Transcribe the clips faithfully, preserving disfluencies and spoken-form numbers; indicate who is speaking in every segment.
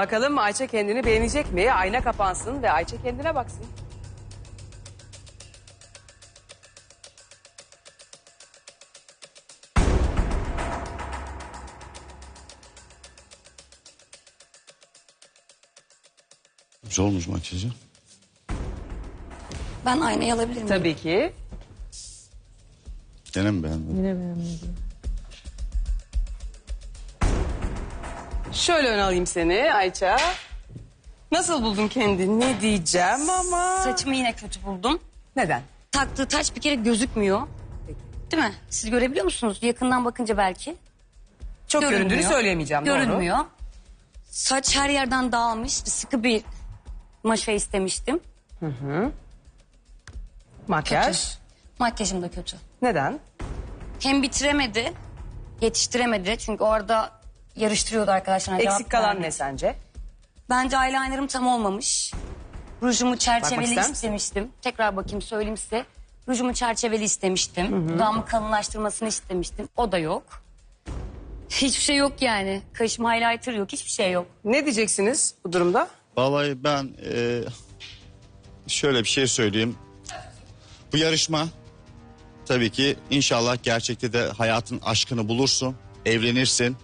Speaker 1: Bakalım Ayça kendini beğenecek mi? Ayna kapansın ve Ayça kendine baksın.
Speaker 2: Güzel olmuş makyajı.
Speaker 3: Ben aynayı alabilir miyim?
Speaker 1: Tabii ki.
Speaker 2: Gene mi beğendin?
Speaker 4: Yine beğenmedim.
Speaker 1: Şöyle ön alayım seni Ayça. Nasıl buldun kendini? Ne diyeceğim ama...
Speaker 3: Saçımı yine kötü buldum.
Speaker 1: Neden?
Speaker 3: Taktığı taç bir kere gözükmüyor. Değil mi? Siz görebiliyor musunuz? Yakından bakınca belki.
Speaker 1: Çok
Speaker 3: Görünmüyor.
Speaker 1: göründüğünü söyleyemeyeceğim.
Speaker 3: Görünmüyor.
Speaker 1: Doğru.
Speaker 3: Saç her yerden dağılmış. Sıkı bir maşa istemiştim.
Speaker 1: Makyaj.
Speaker 3: Makyajım da kötü.
Speaker 1: Neden?
Speaker 3: Hem bitiremedi, yetiştiremedi. Çünkü orada yarıştırıyordu arkadaşlar.
Speaker 1: Eksik kalan ne sence?
Speaker 3: Bence eyelinerım tam olmamış. Rujumu çerçeveli
Speaker 1: ister misin?
Speaker 3: istemiştim. Tekrar bakayım söyleyeyim size. Rujumu çerçeveli istemiştim. Dudağımı kalınlaştırmasını istemiştim. O da yok. Hiçbir şey yok yani. Kaşım highlighter yok. Hiçbir şey yok.
Speaker 1: Ne diyeceksiniz bu durumda?
Speaker 2: Vallahi ben e, şöyle bir şey söyleyeyim. Bu yarışma tabii ki inşallah gerçekte de hayatın aşkını bulursun. Evlenirsin.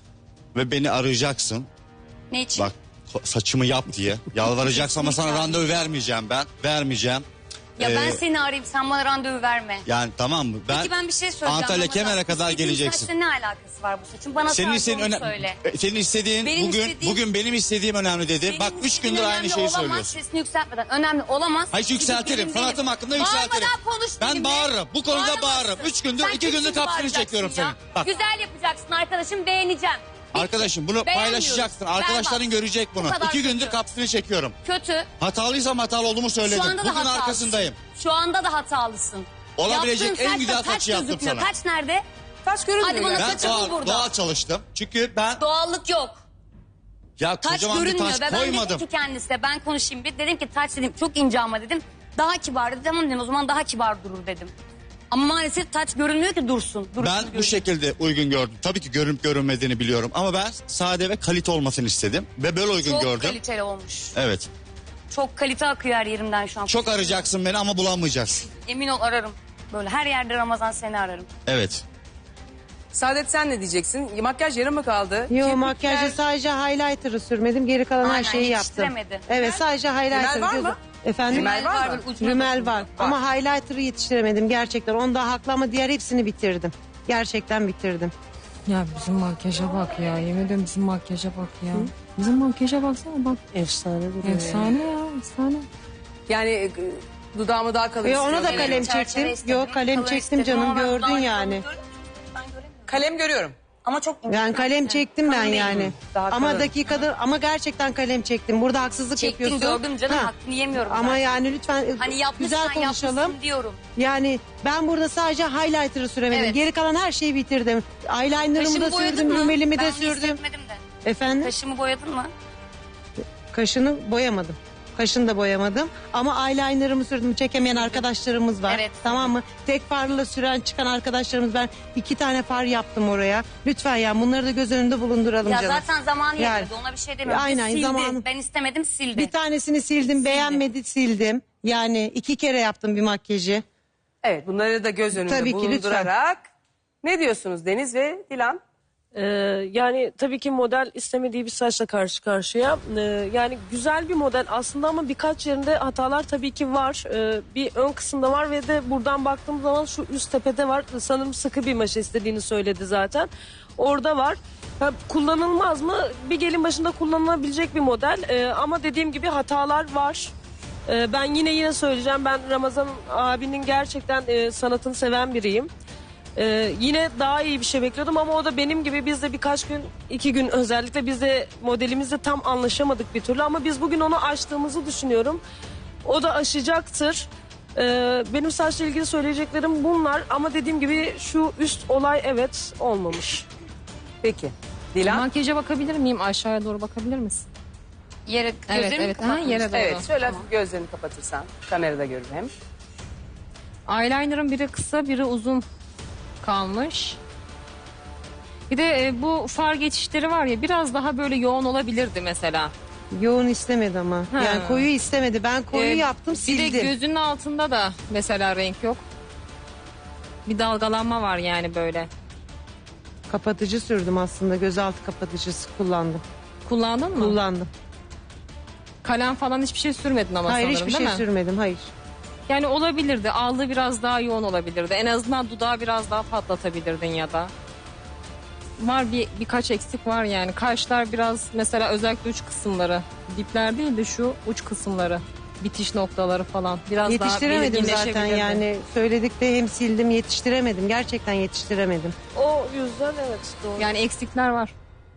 Speaker 2: Ve beni arayacaksın.
Speaker 3: Ne için?
Speaker 2: Bak saçımı yap diye. Yalvaracaksın ama sana
Speaker 3: Kesinlikle.
Speaker 2: randevu vermeyeceğim ben. Vermeyeceğim.
Speaker 3: Ya ben
Speaker 2: Ee,
Speaker 3: seni arayayım, sen bana randevu verme.
Speaker 2: Yani tamam mı? Ben,
Speaker 3: Peki ben bir şey söyleyeceğim.
Speaker 2: Antalya
Speaker 3: Ramazan.
Speaker 2: Kemer'e kadar
Speaker 3: İstediğin
Speaker 2: geleceksin.
Speaker 3: saçla ne alakası var bu saçın? Bana
Speaker 2: Senin
Speaker 3: sadece
Speaker 2: istediğin
Speaker 3: onu
Speaker 2: öne-
Speaker 3: söyle.
Speaker 2: e, senin istediğin
Speaker 3: Benim
Speaker 2: bugün
Speaker 3: istediğim-
Speaker 2: bugün benim istediğim önemli dedi.
Speaker 3: Benim
Speaker 2: Bak üç
Speaker 3: istediğim
Speaker 2: gündür aynı
Speaker 3: önemli
Speaker 2: şeyi
Speaker 3: olamaz,
Speaker 2: söylüyorsun.
Speaker 3: Sesini yükseltmeden. Önemli olamaz.
Speaker 2: Hayır
Speaker 3: Gidip
Speaker 2: yükseltirim.
Speaker 3: gelin
Speaker 2: Sanatım
Speaker 3: değilim.
Speaker 2: hakkında yükseltirim.
Speaker 3: Bağırmadan konuş
Speaker 2: Ben
Speaker 3: benimle.
Speaker 2: bağırırım. Bu konuda
Speaker 3: Bağıramazsın.
Speaker 2: bağırırım. Üç gündür,
Speaker 3: Sen
Speaker 2: iki gündür
Speaker 3: kesin
Speaker 2: kapsını
Speaker 3: bağıracaksın
Speaker 2: çekiyorum
Speaker 3: ya.
Speaker 2: senin. Bak.
Speaker 3: Güzel yapacaksın arkadaşım, beğeneceğim. Bitti.
Speaker 2: Arkadaşım bunu
Speaker 3: Beğenmiyorum.
Speaker 2: paylaşacaksın.
Speaker 3: Berbat.
Speaker 2: Arkadaşların görecek bunu.
Speaker 3: Bu kadar
Speaker 2: İki gündür
Speaker 3: kötü.
Speaker 2: kapsını çekiyorum.
Speaker 3: Kötü.
Speaker 2: Hatalıysam hatalı olduğumu söyledim.
Speaker 3: Şu anda da
Speaker 2: Bugün
Speaker 3: hatalısın.
Speaker 2: arkasındayım.
Speaker 3: Şu anda da hatalısın.
Speaker 2: Olabilecek
Speaker 3: Yaptığın
Speaker 2: en
Speaker 3: saçla
Speaker 2: güzel
Speaker 3: taç
Speaker 2: saçı yaptım
Speaker 3: gözükmüyor.
Speaker 2: sana.
Speaker 3: Taç nerede?
Speaker 1: Taç görünmüyor.
Speaker 3: Hadi bana
Speaker 1: yani.
Speaker 2: Ben
Speaker 3: saçı bul
Speaker 2: doğal,
Speaker 3: burada.
Speaker 2: doğal çalıştım. Çünkü ben
Speaker 3: Doğallık yok.
Speaker 2: ya
Speaker 3: Taç
Speaker 2: kocaman bir
Speaker 3: görünmüyor.
Speaker 2: taş
Speaker 3: Ve ben
Speaker 2: koymadım.
Speaker 3: dedim ki kendisine ben konuşayım bir. Dedim ki taç dedim çok ince ama dedim. Daha kibar dedi. Tamam dedim o zaman daha kibar durur dedim. Ama maalesef taç görünmüyor ki dursun. dursun
Speaker 2: Ben bu
Speaker 3: görünüyor.
Speaker 2: şekilde uygun gördüm. Tabii ki görünüp görünmediğini biliyorum. Ama ben sade ve kalite olmasını istedim. Ve böyle uygun
Speaker 3: Çok
Speaker 2: gördüm.
Speaker 3: kaliteli olmuş.
Speaker 2: Evet.
Speaker 3: Çok kalite akıyor her yerimden şu an.
Speaker 2: Çok arayacaksın beni ama bulamayacaksın.
Speaker 3: Emin ol ararım. Böyle her yerde Ramazan seni ararım.
Speaker 2: Evet.
Speaker 1: Saadet sen ne diyeceksin? Makyaj yarım mı kaldı?
Speaker 4: Yo
Speaker 1: Kirpikler-
Speaker 4: makyajda sadece highlighter'ı sürmedim. Geri kalan her
Speaker 3: Aynen,
Speaker 4: şeyi yaptım.
Speaker 3: yetiştiremedi.
Speaker 4: Evet sadece highlighter.
Speaker 1: Rümel var
Speaker 4: gözü-
Speaker 1: mı?
Speaker 4: Efendim?
Speaker 1: Rümel var mı?
Speaker 3: böyle ucuna
Speaker 4: Rümel
Speaker 3: dokundu.
Speaker 4: var. Ama highlighter'ı yetiştiremedim gerçekten. Onda haklı ama diğer hepsini bitirdim. Gerçekten bitirdim.
Speaker 5: Ya bizim makyaja bak ya. Yemin ediyorum bizim makyaja bak ya. Bizim makyaja baksana bak.
Speaker 4: Efsane duruyor.
Speaker 5: Efsane ya efsane.
Speaker 1: Yani e, dudağımı daha kalın
Speaker 4: Yo, ona da
Speaker 1: istiyorum.
Speaker 4: kalem
Speaker 3: Çerçeve
Speaker 4: çektim.
Speaker 3: istedim,
Speaker 4: Yo, kalem
Speaker 3: kalın
Speaker 4: çektim
Speaker 3: istedim
Speaker 4: canım,
Speaker 3: ama ben
Speaker 4: gördün
Speaker 3: daha
Speaker 4: yani.
Speaker 3: kalın görüyor musun? Ben göremiyorum.
Speaker 1: Kalem görüyorum.
Speaker 3: Ama çok ince.
Speaker 4: Yani kalem çektim ben
Speaker 3: Kalın değil.
Speaker 4: yani.
Speaker 1: Daha
Speaker 4: Ama
Speaker 1: kalın.
Speaker 4: dakikada ama gerçekten kalem çektim. Burada haksızlık
Speaker 3: Çektim
Speaker 4: yapıyorsun.
Speaker 3: gördüm canım
Speaker 4: Ha.
Speaker 3: hakkını yemiyorum.
Speaker 4: Ama
Speaker 3: zaten.
Speaker 4: yani lütfen
Speaker 3: Hani
Speaker 4: güzel
Speaker 3: yapmışsan
Speaker 4: konuşalım.
Speaker 3: yapmışsın diyorum.
Speaker 4: Yani ben burada sadece highlighter'ı süremedim.
Speaker 3: Evet.
Speaker 4: Geri kalan her şeyi bitirdim. Eyeliner'ımı
Speaker 3: Kaşımı
Speaker 4: da
Speaker 3: boyadın
Speaker 4: sürdüm,
Speaker 3: mı?
Speaker 4: rümelimi de
Speaker 3: Ben bunu
Speaker 4: sürdüm.
Speaker 3: hissetmedim de.
Speaker 4: Efendim?
Speaker 3: Kaşımı boyadın mı?
Speaker 4: Kaşını boyamadım. Kaşını da boyamadım. Ama eyeliner'ımı sürdüm. Çekemeyen arkadaşlarımız var.
Speaker 3: Evet.
Speaker 4: Tamam mı? Tek farla süren çıkan arkadaşlarımız, ben iki tane far yaptım oraya. Lütfen ya bunları da göz önünde bulunduralım
Speaker 3: Ya
Speaker 4: canım.
Speaker 3: zaten zamanı
Speaker 4: Yani.
Speaker 3: yetmedi ona bir şey demiyorum.
Speaker 4: Aynen,
Speaker 3: Sildi.
Speaker 4: zamanı-
Speaker 3: Ben istemedim sildi.
Speaker 4: Bir tanesini sildim, beğenmedi sildim. Yani iki kere yaptım bir makyajı.
Speaker 1: Evet bunları da göz önünde
Speaker 4: Tabii ki,
Speaker 1: bulundurarak. Ne diyorsunuz Deniz ve Dilan?
Speaker 6: Ee, yani tabii ki model istemediği bir saçla karşı karşıya. Ee, yani güzel bir model aslında ama birkaç yerinde hatalar tabii ki var. Ee, bir ön kısımda var ve de buradan baktığım zaman şu üst tepede var. Sanırım sıkı bir maşa istediğini söyledi zaten. Orada var. Ha, kullanılmaz mı? Bir gelin başında kullanılabilecek bir model. Ee, ama dediğim gibi hatalar var. Ee, ben yine yine söyleyeceğim. Ben Ramazan abinin gerçekten e, sanatını seven biriyim. Ee, yine daha iyi bir şey bekliyordum ama o da benim gibi, biz de birkaç gün, iki gün özellikle biz de modelimizle tam anlaşamadık bir türlü ama biz bugün onu aştığımızı düşünüyorum. O da aşacaktır. Ee, benim saçla ilgili söyleyeceklerim bunlar ama dediğim gibi şu üst olay evet olmamış.
Speaker 1: Peki. Dilan?
Speaker 5: Makyaja bakabilir miyim? Aşağıya doğru bakabilir misin?
Speaker 3: Yere
Speaker 5: Evet
Speaker 3: gözlerimi
Speaker 5: evet. Ha,
Speaker 3: kapatmış.
Speaker 5: yere doğru.
Speaker 1: Evet şöyle hafif gözlerini kapatırsan kamerada görür hem.
Speaker 5: Eyeliner'ın biri kısa biri uzun kalmış. Bir de e, bu far geçişleri var ya biraz daha böyle yoğun olabilirdi mesela.
Speaker 4: Yoğun istemedi ama.
Speaker 5: Ha.
Speaker 4: Yani koyu istemedi. Ben koyu
Speaker 5: Ee,
Speaker 4: yaptım,
Speaker 5: Bir
Speaker 4: sildim.
Speaker 5: de gözünün altında da mesela renk yok. Bir dalgalanma var yani böyle.
Speaker 4: Kapatıcı sürdüm aslında. Gözaltı kapatıcısı kullandım.
Speaker 5: Kullandın mı?
Speaker 4: Kullandım.
Speaker 5: Kalem falan hiçbir şey sürmedin ama
Speaker 4: Hayır,
Speaker 5: sanırım
Speaker 4: hiçbir
Speaker 5: değil
Speaker 4: şey
Speaker 5: mi?
Speaker 4: sürmedim. Hayır.
Speaker 5: Yani olabilirdi. Allığı biraz daha yoğun olabilirdi. En azından dudağı biraz daha patlatabilirdin ya da. Var bir birkaç eksik var yani. Kaşlar biraz mesela özellikle uç kısımları. Dipler değil de şu uç kısımları. Bitiş noktaları falan. Biraz
Speaker 4: Yetiştiremedim
Speaker 5: daha
Speaker 4: zaten
Speaker 5: belirginleşebilirdi.
Speaker 4: yani. Söyledik de hem sildim, yetiştiremedim. Gerçekten yetiştiremedim.
Speaker 6: O yüzden evet doğru.
Speaker 5: Yani eksikler var.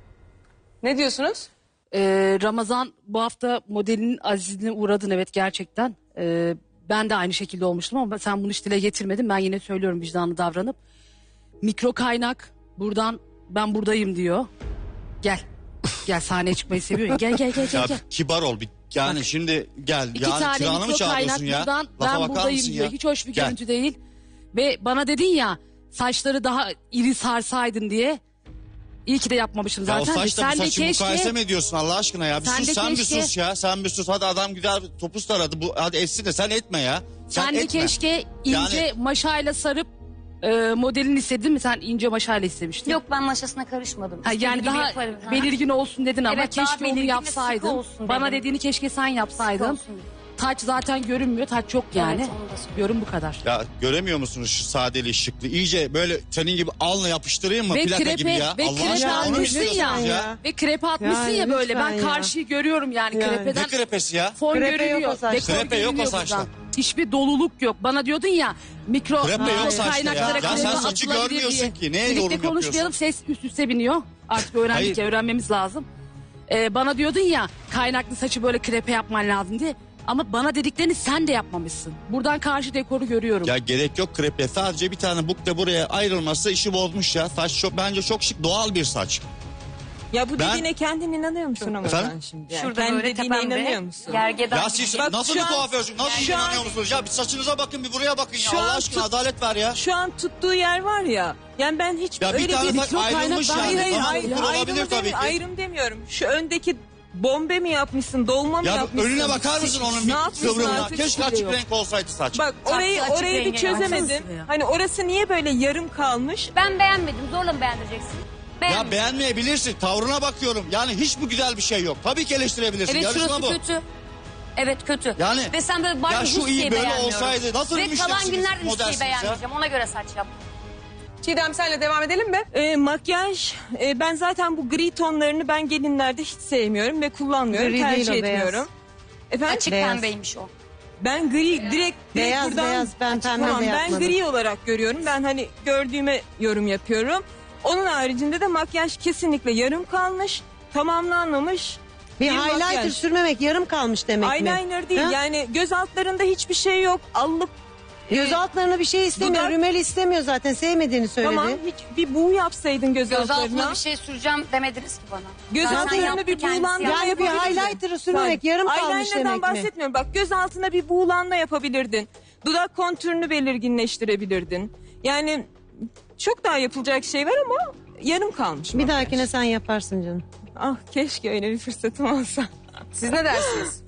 Speaker 1: Ne diyorsunuz?
Speaker 7: Ee, Ramazan bu hafta modelinin azizliğine uğradın evet gerçekten. Ee, ben de aynı şekilde olmuştum ama sen bunu hiç dile getirmedin. Ben yine söylüyorum vicdanlı davranıp. Mikro kaynak buradan ben buradayım diyor. Gel. Gel sahneye çıkmayı seviyorsun. Gel gel gel gel.
Speaker 2: Ya
Speaker 7: gel.
Speaker 2: kibar ol. Bir, yani şimdi gel.
Speaker 7: İki
Speaker 2: yani
Speaker 7: tane
Speaker 2: kiranı mı
Speaker 7: mikro kaynak
Speaker 2: çağırıyorsun ya?
Speaker 7: buradan
Speaker 2: Lafa
Speaker 7: ben
Speaker 2: bakar
Speaker 7: buradayım
Speaker 2: mısın
Speaker 7: diyor.
Speaker 2: ya?
Speaker 7: Hiç hoş bir
Speaker 2: Gel.
Speaker 7: görüntü değil. Ve bana dedin ya saçları daha iri sarsaydın diye. İyi ki de yapmamışım
Speaker 2: Ya o
Speaker 7: zaten.
Speaker 2: saçla bu
Speaker 7: Sen de
Speaker 2: saçı mukayese
Speaker 7: keşke
Speaker 2: mi ediyorsun Allah aşkına ya? Bir
Speaker 7: Sen
Speaker 2: sus
Speaker 7: de
Speaker 2: sen bir
Speaker 7: keşke-
Speaker 2: sus ya. Sen bir sus. Hadi adam güzel bir topuz taradı. Bu, hadi etsin de sen etme ya. Sen,
Speaker 7: sen de
Speaker 2: etme.
Speaker 7: keşke ince
Speaker 2: Yani-
Speaker 7: maşayla sarıp e, modelini istedin mi? Sen ince maşayla istemiştin.
Speaker 3: Yok ben maşasına karışmadım.
Speaker 7: Ha,
Speaker 3: İstediği
Speaker 7: yani
Speaker 3: gibi
Speaker 7: daha
Speaker 3: yaparım. Ha.
Speaker 7: belirgin olsun dedin ama
Speaker 3: Evet, daha
Speaker 7: keşke onu
Speaker 3: belirgin ve
Speaker 7: yapsaydın.
Speaker 3: sıkı olsun
Speaker 7: Bana
Speaker 3: dedim.
Speaker 7: dediğini keşke sen
Speaker 3: Sıkı
Speaker 7: yapsaydın.
Speaker 3: olsun dedim.
Speaker 7: Taç zaten görünmüyor. Taç yok yani.
Speaker 3: Evet, onu da söyleyeyim.
Speaker 7: Görün bu kadar.
Speaker 2: Ya göremiyor musunuz şu sadeliği şıklığı? İyice böyle senin gibi alnla yapıştırayım mı?
Speaker 7: Ve
Speaker 2: Plaka
Speaker 7: krepe-
Speaker 2: gibi ya.
Speaker 7: ve
Speaker 2: Allah
Speaker 7: krepe
Speaker 2: aşkına onu
Speaker 7: almışsın
Speaker 2: istiyorsunuz
Speaker 7: ya.
Speaker 2: ya.
Speaker 7: Ve krepe atmışsın
Speaker 4: Yani
Speaker 7: ya böyle.
Speaker 4: lütfen
Speaker 7: Ben
Speaker 4: ya.
Speaker 7: karşıyı görüyorum yani,
Speaker 4: Yani.
Speaker 7: krepeden.
Speaker 2: Ne krepesi ya?
Speaker 7: Fon
Speaker 4: Krepe yok
Speaker 7: görünüyor.
Speaker 4: o saçta.
Speaker 7: Dekor
Speaker 2: Krepe yok o
Speaker 7: görünüyor
Speaker 2: saçta.
Speaker 7: buradan. Hiçbir doluluk yok. Bana diyordun ya mikro
Speaker 2: Krepe
Speaker 7: mikro
Speaker 2: yok saçta ya.
Speaker 7: kaynaklara
Speaker 2: Ya sen
Speaker 7: krepe
Speaker 2: saçı
Speaker 7: atılabilir
Speaker 2: görmüyorsun
Speaker 7: diye.
Speaker 2: ki. Neye
Speaker 7: Birlikte
Speaker 2: yorum
Speaker 7: konuşmayalım, ses üst üste biniyor. Artık öğrendik
Speaker 2: Hayır.
Speaker 7: ya, öğrenmemiz lazım. Ee, bana diyordun ya kaynaklı saçı böyle krepe yapman lazım diye. Ama bana dediklerini sen de yapmamışsın. Buradan karşı dekoru görüyorum.
Speaker 2: Ya gerek yok krepe. Sadece bir tane bukle buraya ayrılması işi bozmuş ya. Saç çok, bence çok şık doğal bir saç.
Speaker 8: Ya bu
Speaker 2: Ben-
Speaker 8: dediğine kendin inanıyor musun ama
Speaker 2: Efendim?
Speaker 8: sen şimdi? Yani
Speaker 3: Şurada
Speaker 8: kendi
Speaker 3: böyle
Speaker 8: dediğine
Speaker 3: tepemde
Speaker 8: inanıyor musun?
Speaker 3: gergedan
Speaker 2: Ya
Speaker 3: gibi.
Speaker 2: siz
Speaker 8: Bak
Speaker 2: nasıl
Speaker 8: şu
Speaker 2: bir
Speaker 8: an-
Speaker 2: kuaförsün? Nasıl
Speaker 8: şu
Speaker 2: inanıyor
Speaker 8: an-
Speaker 2: musunuz? Ya bir saçınıza bakın bir buraya bakın ya.
Speaker 8: Şu
Speaker 2: Allah
Speaker 8: an
Speaker 2: aşkına
Speaker 8: tut-
Speaker 2: adalet ver ya.
Speaker 8: Şu an tuttuğu yer var ya. Yani ben hiç
Speaker 2: Ya bir
Speaker 8: öyle
Speaker 2: tane
Speaker 8: bir...
Speaker 2: saç ayrılmış
Speaker 7: kaynak-
Speaker 2: yani.
Speaker 8: Hayır hayır,
Speaker 2: Tamam,
Speaker 8: hayır,
Speaker 2: bu
Speaker 8: ayrım,
Speaker 2: olabilir tabii ki.
Speaker 8: ayrım demiyorum. Şu öndeki bombe mi yapmışsın, dolma mı
Speaker 2: Ya
Speaker 8: yapmışsın?
Speaker 2: önüne bakar mısın onun
Speaker 8: Ne
Speaker 2: bir
Speaker 8: yapmışsın
Speaker 2: kıvrımına?
Speaker 8: artık?
Speaker 2: Keşke
Speaker 8: Hiçbir
Speaker 2: açık
Speaker 8: yok.
Speaker 2: renk olsaydı saç.
Speaker 8: Bak orayı
Speaker 3: Taktı, açık
Speaker 8: orayı bir
Speaker 3: renge
Speaker 8: çözemedim.
Speaker 7: baksana ya.
Speaker 8: Hani orası niye böyle yarım kalmış?
Speaker 3: Ben beğenmedim. Zorla mı beğendireceksin?
Speaker 2: Ya
Speaker 3: Beğenmedim.
Speaker 2: beğenmeyebilirsin. Tavrına bakıyorum. Yani hiç mi güzel bir şey yok? Tabii ki eleştirebilirsin.
Speaker 3: Evet
Speaker 2: Yarışma
Speaker 3: şurası
Speaker 2: bu.
Speaker 3: kötü. Evet kötü.
Speaker 2: Yani-
Speaker 3: Ve sen böyle bari
Speaker 2: Ya şu
Speaker 3: hiçbir
Speaker 2: iyi
Speaker 3: şey
Speaker 2: böyle
Speaker 3: beğenmiyorum.
Speaker 2: olsaydı nasıl
Speaker 3: Ve
Speaker 2: müşterisiniz,
Speaker 3: kalan günlerde hiçbir şey
Speaker 2: modersiniz ya?
Speaker 3: beğenmeyeceğim. Ona göre saç yap.
Speaker 1: Çiğdem senle devam edelim mi?
Speaker 8: Ee, makyaj, e, ben zaten bu gri tonlarını ben gelinlerde hiç sevmiyorum ve kullanmıyorum,
Speaker 4: Gri
Speaker 8: tercih
Speaker 4: değil o, beyaz.
Speaker 8: etmiyorum. Efendim?
Speaker 3: Açık
Speaker 4: Beyaz.
Speaker 3: pembeymiş o.
Speaker 8: Ben gri direkt, direkt
Speaker 4: Beyaz,
Speaker 8: buradan
Speaker 4: beyaz. Ben pembe de
Speaker 8: Tamam, ben
Speaker 4: yapmadım.
Speaker 8: gri olarak görüyorum. Ben hani gördüğüme yorum yapıyorum. Onun haricinde de makyaj kesinlikle yarım kalmış, tamamlanmamış.
Speaker 4: Bir,
Speaker 8: bir
Speaker 4: highlighter
Speaker 8: makyaj.
Speaker 4: sürmemek yarım kalmış demek mi?
Speaker 8: Eyeliner değil,
Speaker 4: Ha?
Speaker 8: yani göz altlarında hiçbir şey yok. Allık
Speaker 4: Göz altlarına bir şey istemiyor.
Speaker 8: dudak-
Speaker 4: Rümel istemiyor zaten. Sevmediğini söyledi.
Speaker 8: tamam, hiç bir buğu yapsaydın göz,
Speaker 3: Göz
Speaker 8: altlarına.
Speaker 3: altına bir şey süreceğim demediniz ki bana.
Speaker 8: Göz
Speaker 3: Zaten
Speaker 8: altlarına
Speaker 3: yaptı
Speaker 8: bir
Speaker 3: kendisi
Speaker 8: buğulanma
Speaker 3: yaptı.
Speaker 4: Yani bir
Speaker 8: yapabilirdin.
Speaker 4: highlighter'ı sürmemek yarım kalmış
Speaker 8: Eyeliner'dan
Speaker 4: demek mi?
Speaker 8: bahsetmiyorum. Bak göz altına bir buğulanma yapabilirdin. Dudak kontürünü belirginleştirebilirdin. Yani çok daha yapılacak şey var ama yarım kalmış.
Speaker 4: Bir dahakine sen yaparsın canım.
Speaker 8: Ah keşke öyle bir fırsatım olsa.
Speaker 1: Siz ne dersiniz?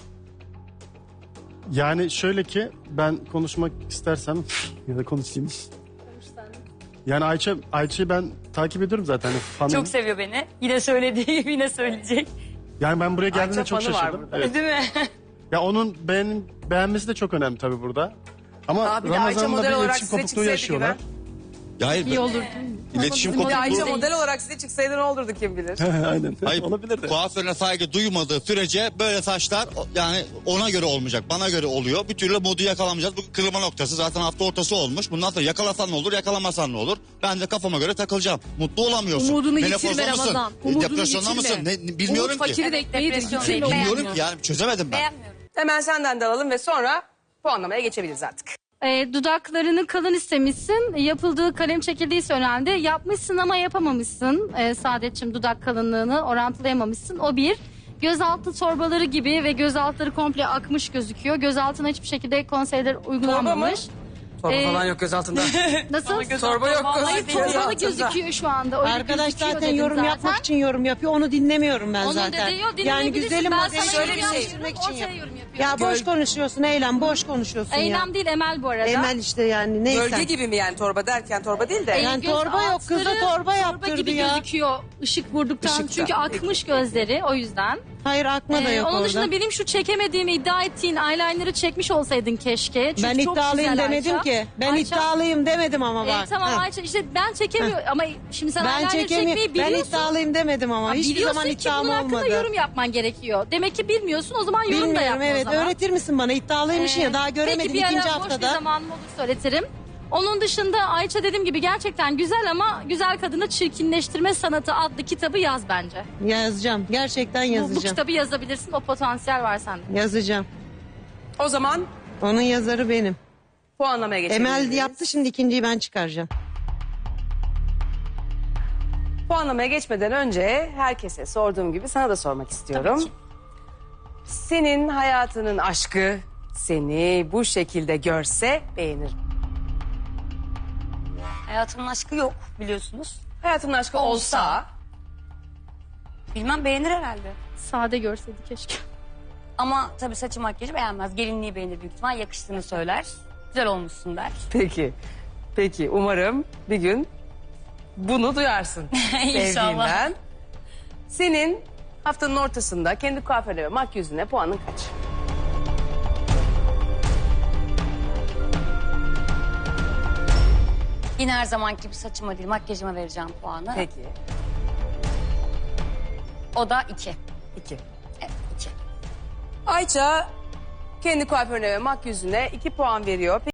Speaker 9: Yani şöyle ki ben konuşmak istersem ya da konuşayım. Yani Ayça Ayça'yı ben takip ediyorum zaten. Hani fanım.
Speaker 3: Çok seviyor beni. Yine söylediği gibi yine söyleyecek.
Speaker 9: Yani ben buraya geldiğimde
Speaker 1: Ayça
Speaker 9: çok
Speaker 1: fanı var
Speaker 9: şaşırdım.
Speaker 1: burada.
Speaker 9: Evet.
Speaker 3: Değil mi?
Speaker 9: Ya onun beğen, beğenmesi de çok önemli tabii burada. Ama
Speaker 1: Abi de Ayça model
Speaker 9: Ramazan'la bir
Speaker 1: olarak
Speaker 9: iletişim
Speaker 1: size
Speaker 9: kopukluğu
Speaker 1: çıksaydı
Speaker 9: yaşıyorlar.
Speaker 1: gibi.
Speaker 2: Ya hayır.
Speaker 7: İyi olur.
Speaker 2: İletişim
Speaker 7: Bizim
Speaker 1: Bir de Ayça
Speaker 2: kopukluğu.
Speaker 1: model olarak size çıksaydı ne olurdu kim bilir.
Speaker 9: Aynen.
Speaker 2: Hayır,
Speaker 9: Olabilir de.
Speaker 2: kuaförüne saygı duymadığı sürece böyle saçlar o- yani ona göre olmayacak, bana göre oluyor. Bir türlü modu yakalamayacağız. Bu kırılma noktası zaten hafta ortası olmuş. Bundan sonra yakalasan ne olur, yakalamasan ne olur? Ben de kafama göre takılacağım. Mutlu olamıyorsun.
Speaker 7: Umudunu
Speaker 2: Menopozda
Speaker 7: yitirme
Speaker 2: mısın?
Speaker 7: Ramazan.
Speaker 2: E,
Speaker 7: Umudunu
Speaker 2: Depresyonda
Speaker 7: yitirme.
Speaker 2: mısın? Ne, ne- bilmiyorum
Speaker 7: Umut
Speaker 2: ki.
Speaker 7: fakiri de
Speaker 3: Evet,
Speaker 7: ekmeğidir.
Speaker 3: depresyon
Speaker 7: Yitirme
Speaker 3: değil.
Speaker 7: umudunu.
Speaker 2: Bilmiyorum ki yani çözemedim ben.
Speaker 3: Beğenmiyorum.
Speaker 1: Hemen senden de alalım ve sonra puanlamaya geçebiliriz artık.
Speaker 10: E, dudaklarını kalın istemişsin. Yapıldığı kalem çekildiyse önemli. Yapmışsın ama yapamamışsın. E, Saadetçim dudak kalınlığını orantılayamamışsın. O bir. Gözaltı torbaları gibi ve gözaltları komple akmış gözüküyor. Gözaltına hiçbir şekilde konseyler uygulanmamış.
Speaker 1: Torba
Speaker 10: Ee,
Speaker 1: falan yok göz altında.
Speaker 10: Nasıl?
Speaker 1: Torba yok göz,
Speaker 10: Hayır
Speaker 1: göz
Speaker 10: torbalı
Speaker 1: altında.
Speaker 10: gözüküyor şu anda. Öyle
Speaker 4: Arkadaş
Speaker 10: gözüküyor
Speaker 4: zaten
Speaker 10: dedim
Speaker 4: yorum
Speaker 10: zaten.
Speaker 4: yapmak için yorum yapıyor. Onu dinlemiyorum ben
Speaker 10: Onun
Speaker 4: zaten.
Speaker 10: dediği o
Speaker 4: Yani
Speaker 10: dinleyebilirsin.
Speaker 4: güzelim
Speaker 10: Ben
Speaker 4: modeli
Speaker 10: sana
Speaker 1: şöyle
Speaker 10: yorum
Speaker 1: bir şey.
Speaker 4: için
Speaker 10: yapıyorum, ortaya
Speaker 4: yap.
Speaker 10: yorum yapıyorum.
Speaker 4: Ya boş konuşuyorsun Eylem, boş konuşuyorsun ya.
Speaker 10: Eylem değil Emel bu arada.
Speaker 4: Emel işte yani neyse.
Speaker 1: Bölge gibi mi yani torba derken torba değil de.
Speaker 10: Ee,
Speaker 4: Yani
Speaker 10: göz
Speaker 4: torba yok, kız da
Speaker 10: altları
Speaker 4: torba yaptırdı
Speaker 10: gibi
Speaker 4: ya.
Speaker 10: gözüküyor ışık vurduktan.
Speaker 1: Işıkta.
Speaker 10: Çünkü akmış gözleri o yüzden.
Speaker 4: Hayır akma da
Speaker 10: Ee,
Speaker 4: yok
Speaker 10: onun
Speaker 4: orada.
Speaker 10: dışında benim şu çekemediğimi iddia ettiğin eyeliner'ı çekmiş olsaydın keşke. Çünkü
Speaker 4: Ben
Speaker 10: çok
Speaker 4: iddialıyım
Speaker 10: güzel
Speaker 4: demedim
Speaker 10: Ayça.
Speaker 4: ki. Ben
Speaker 10: Ayça,
Speaker 4: iddialıyım demedim ama
Speaker 10: e,
Speaker 4: bak.
Speaker 10: tamam
Speaker 4: Ha.
Speaker 10: Ayça işte ben çekemiyorum ama şimdi sen
Speaker 4: Ben
Speaker 10: eyeliner
Speaker 4: çekemiyorum.
Speaker 10: çekmeyi
Speaker 4: Ben
Speaker 10: biliyorsun.
Speaker 4: iddialıyım demedim ama.
Speaker 10: Ha,
Speaker 4: Hiçbir
Speaker 10: biliyorsun
Speaker 4: zaman
Speaker 10: ki
Speaker 4: iddiam
Speaker 10: bunun hakkında
Speaker 4: olmadı.
Speaker 10: yorum yapman gerekiyor. Demek ki bilmiyorsun o zaman yorum da
Speaker 4: Bilmiyorum
Speaker 10: yapma
Speaker 4: evet.
Speaker 10: o zaman.
Speaker 4: Öğretir misin bana? İddialıymışsın
Speaker 10: Ee,
Speaker 4: ya. Daha göremedim
Speaker 10: peki, bir ara
Speaker 4: ikinci
Speaker 10: boş
Speaker 4: haftada.
Speaker 10: bir zamanım olursa öğretirim. Onun dışında Ayça dediğim gibi gerçekten güzel ama Güzel Kadını Çirkinleştirme Sanatı adlı kitabı yaz bence.
Speaker 4: Yazacağım. Gerçekten
Speaker 10: Bu, bu
Speaker 4: yazacağım.
Speaker 10: kitabı yazabilirsin o potansiyel var sende.
Speaker 4: Yazacağım.
Speaker 1: O zaman
Speaker 4: Onun yazarı benim.
Speaker 1: puanlamaya geçelim.
Speaker 4: Emel yaptı şimdi ikinciyi ben çıkaracağım.
Speaker 1: Puanlamaya geçmeden önce herkese sorduğum gibi sana da sormak istiyorum.
Speaker 3: Tabii ki.
Speaker 1: Senin hayatının aşkı seni bu şekilde görse beğenir.
Speaker 3: Hayatımın aşkı yok biliyorsunuz.
Speaker 1: Hayatının aşkı olsa,
Speaker 3: Olsa. Bilmem beğenir herhalde.
Speaker 10: Sade görseydi keşke.
Speaker 3: Ama tabii saçı makyajı beğenmez. Gelinliği beğenir büyük ihtimal. Yakıştığını söyler. Güzel olmuşsun der.
Speaker 1: peki. Peki umarım bir gün bunu duyarsın.
Speaker 3: İnşallah.
Speaker 1: Sevdiğinden. Senin haftanın ortasında kendi kuaförüne ve makyözüne puanın kaç?
Speaker 3: Yine her zamanki gibi saçıma değil makyajıma vereceğim puanı.
Speaker 1: Peki.
Speaker 3: O da iki.
Speaker 1: iki.
Speaker 3: Evet iki.
Speaker 1: Ayça kendi kuaförüne ve makyözüne iki puan veriyor.